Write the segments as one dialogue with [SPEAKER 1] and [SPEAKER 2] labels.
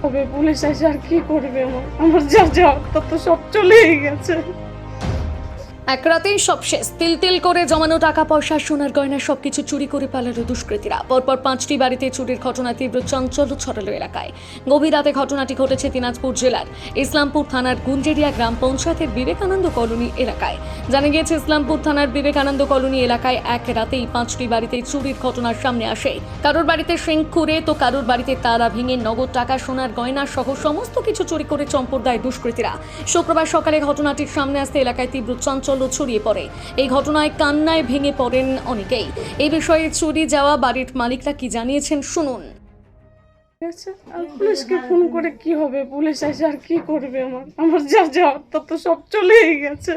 [SPEAKER 1] হবে, পুলিশ এসে আর কি করবে? আমার যা যা তা তো সব চলেই গেছে।
[SPEAKER 2] এক রাতেই সব শেষ। তিল তিল করে জমানো টাকা পয়সা, সোনার গয়না সবকিছু চুরি করে পালালো দুষ্কৃতীরা। পরপর 5টি বাড়িতে চুরির ঘটনা তীব্র চাঞ্চল্য ছড়ালো এলাকায়। গভীর রাতে ঘটনাটি ঘটেছে দিনাজপুর জেলার ইসলামপুর থানার গুঞ্জেরিয়া গ্রাম পঞ্চায়েতের বিবেকানন্দ কলোনি এলাকায়। জানা গিয়েছে, ইসলামপুর থানার বিবেকানন্দ কলোনি এলাকায় এক রাতেই 5টি বাড়িতে চুরির ঘটনার সামনে আসে। কারোর বাড়িতে সিং খুঁড়ে তো কারোর বাড়িতে তালা ভেঙে নগদ টাকা, সোনার গয়না সহ সমস্ত কিছু চুরি করে চম্পট দেয় দুষ্কৃতীরা। শুক্রবার সকালে ঘটনাটির সামনে আসতে এলাকায় তীব্র চাঞ্চল্য ছড়িয়ে পড়ে। এই ঘটনায় কান্নায় ভেঙে পড়েন অনেকেই। এই বিষয়ে চুরি যাওয়া বাড়ির মালিকরা কি জানিয়েছেন শুনুন।
[SPEAKER 1] আর পুলিশকে ফোন করে কি হবে? পুলিশ এসে আর কি করবে? আমার যা যা তা তো সব চলেই গেছে।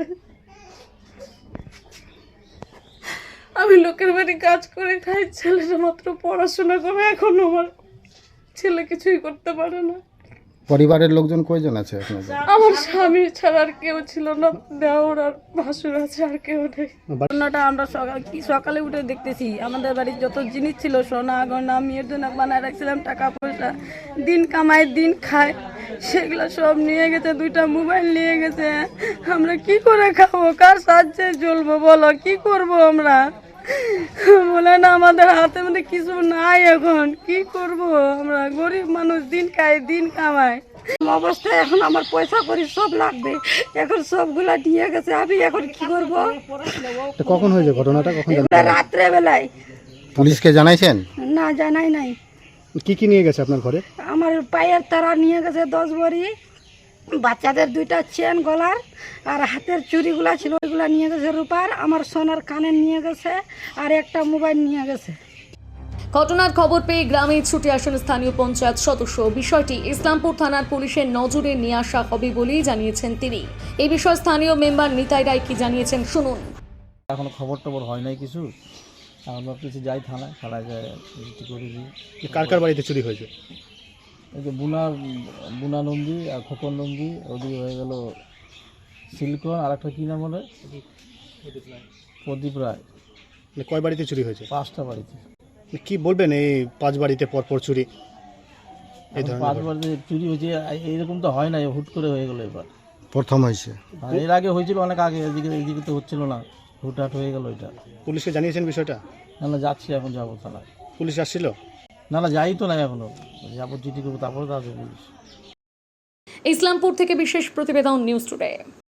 [SPEAKER 1] আমি লোকের বাড়ি কাজ করে খাই, ছেলেটা মাত্র পড়াশোনা করে, এখন আমার ছেলে কিছুই করতে পারে না।
[SPEAKER 3] পরিবারের লোকজন কয়জন আছে আপনাদের?
[SPEAKER 1] আমার স্বামী ছাড়া আর কেউ ছিল না, দেওর আর ভাসুর আছে, আর কেউ নেই।
[SPEAKER 4] ঘটনাটা আমরা সকালে উঠে দেখতেছি, আমাদের বাড়ির যত জিনিস ছিল, সোনা গয়না, মেয়ের জন্য বানায় রাখছিলাম টাকা পয়সা, দিন কামায় দিন খায়, সেগুলো সব নিয়ে গেছে। 2টা মোবাইল নিয়ে গেছে। আমরা কি করে খাবো? কার সাহায্যে চলবো বলো? কি করব আমরা? বলে না, আমাদের হাতে মধ্যে কিছু নাই, এখন কি করব? আমরা গরিব মানুষ, দিন খাই দিন কামাই। অবস্থায় এখন আমার পয়সা করি সব লাগবে, এখন সবগুলা দিয়ে গেছে। আমি এখন কি করব?
[SPEAKER 3] তো কখন হয়েছে ঘটনাটা? কখন
[SPEAKER 4] রাত্রে বেলায়।
[SPEAKER 3] পুলিশকে জানাইছেন?
[SPEAKER 4] না, জানাই নাই।
[SPEAKER 3] কি কি নিয়ে গেছে আপনার ঘরে?
[SPEAKER 4] আমার পায়ের তারা নিয়ে গেছে 10 ভরি, বাচ্চাদের 2টা চেন গলার, আর হাতের চুড়িগুলা ছিল ওইগুলা নিয়ে গেছে রূপার, আমার সোনার কানের নিয়ে গেছে, আর একটা মোবাইল নিয়ে গেছে।
[SPEAKER 2] ঘটনার খবর পেয়ে গ্রামে ছুটে আসেন স্থানীয় পঞ্চায়েত সদস্য। বিষয়টি ইসলামপুর থানার পুলিশের নজরে নিয়ে আসা হবে বলেই জানিয়েছেন তিনি। এই বিষয়ে স্থানীয় মেম্বার নিতাই রায় কি জানিয়েছেন শুনুন।
[SPEAKER 5] এখনো খবর টবর হয় নাই কিছু। আমরা কিছু যাই থানায় যায় রেজিস্ট্রি করে দিই।
[SPEAKER 3] কার কার বাড়িতে চুরি হয়েছে?
[SPEAKER 5] এই যে বুনা নন্দী আর খোকন নন্দী, ওদিকে হয়ে গেল সিলকন, আর একটা কী নাম বলে, প্রদীপ রায়।
[SPEAKER 3] কয় বাড়িতে চুরি হয়েছে?
[SPEAKER 5] 5টা বাড়িতে।
[SPEAKER 3] কি বলবেন এই 5 বাড়িতে পরপর চুরি? এই ধরনের
[SPEAKER 5] 5 বাড়িতে চুরি হয়েছে, এইরকম তো হয় না, হুট করে হয়ে গেলো এবার।
[SPEAKER 3] প্রথম হয়েছে?
[SPEAKER 5] আর এর আগে হয়েছিল অনেক আগে, এদিকে তো হচ্ছিল না, হুটহাট হয়ে গেল এটা।
[SPEAKER 3] পুলিশকে জানিয়েছেন বিষয়টা?
[SPEAKER 5] না, যাচ্ছি, এখন যাবো থানায়।
[SPEAKER 3] পুলিশ আসছিল?
[SPEAKER 5] না, যাই তো না এখনো, যাবো, চিঠি করবো, তারপরে তো আসবে পুলিশ।
[SPEAKER 2] ইসলামপুর থেকে বিশেষ প্রতিবেদন, নিউজ টুডে।